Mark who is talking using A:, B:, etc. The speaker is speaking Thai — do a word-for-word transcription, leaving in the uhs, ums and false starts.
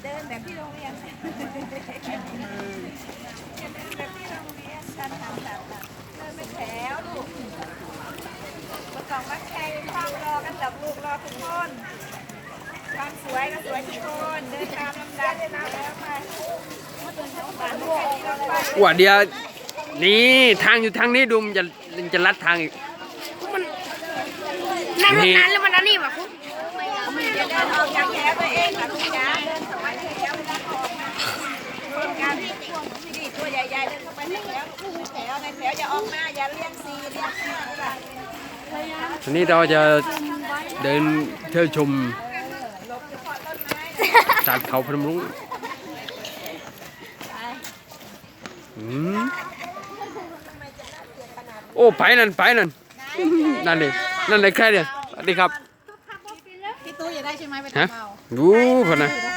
A: เดินแบบที่โรงเรียนเดินแบบที่โรงเรียนการทำแบบเดินเป็นแถวลูกมาส่องมาแข่งความรอกันจับลูกรอทุกคนความสวยก็สวยทุกคนเดินตามลำดับเลยนะแล้วไป
B: ว่าเดียวนี่ทางอยู่ทางนี้ดูมันจะจะลัดทางอีก
C: นั่งรถนั้นแล้วมันนั่นนี่แบบคุก
A: อย่าเดินออกจากแถวตัวเองนะคุณยายเดินสมัยแถวเวลาออกนะคนกันนี่ตัวใหญ่ๆเดินเข้าไปในแถวแถวในแถวอย่าออกมาอย่าเลี้ยงซีเลี้ยงห้าค่ะ
B: ทีนี้เราจะเดินเที่ยวชมสัตว์เขาพนมรุ้งอืมโอ้ไปนั่นไปนั่นนั่นดินั่นเลยแค่เดียวสวัสดีครับ
C: พี่ตู้อย่าได้ใช่ไหมไป
B: ฮะ
C: ทำเอา
B: ดูพอนะ